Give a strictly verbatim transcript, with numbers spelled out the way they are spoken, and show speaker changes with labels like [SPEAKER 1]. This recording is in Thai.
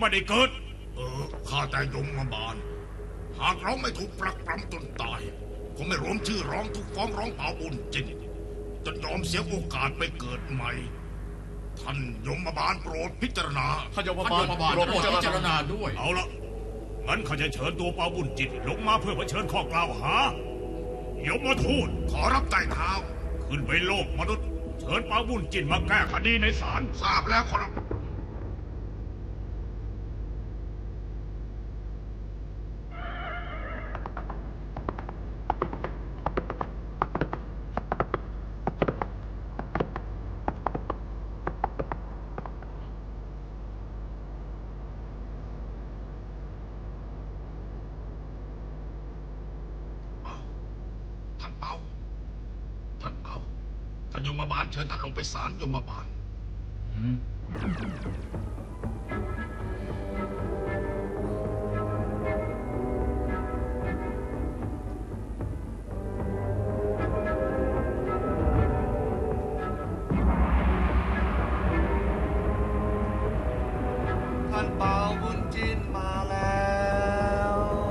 [SPEAKER 1] ไม่ได้เกิด
[SPEAKER 2] เออข้าแต่ยมมาบาลหากเราไม่ถูกปรักปรำจนตายคงไม่รวมชื่อร้องทุกฟ้องร้องเผาบุญจินจนยอมเสียโอกาสไปเกิดใหม่ท่านยมบาลโปรดพิจารณา
[SPEAKER 3] ท่านยมบาลโปรดพิจารณาด้วย
[SPEAKER 1] เอาละงั้นข้าจะเชิญตัวเปาบุญจิตลงมาเพื่อเผชิญข้อกล่าวหายมทูต
[SPEAKER 2] ขอรับใต้เท้า
[SPEAKER 1] ขึ้นไปโลกมนุษย์เชิญเปาบุญจิตมาแก้คดีในศาล
[SPEAKER 2] ทราบแล้วขอรับท่านเปาท่านเปาท่านยมบาลเชิญท่านลงไปศาลยมบาล
[SPEAKER 4] ท่านเปาบุญจินมาแล้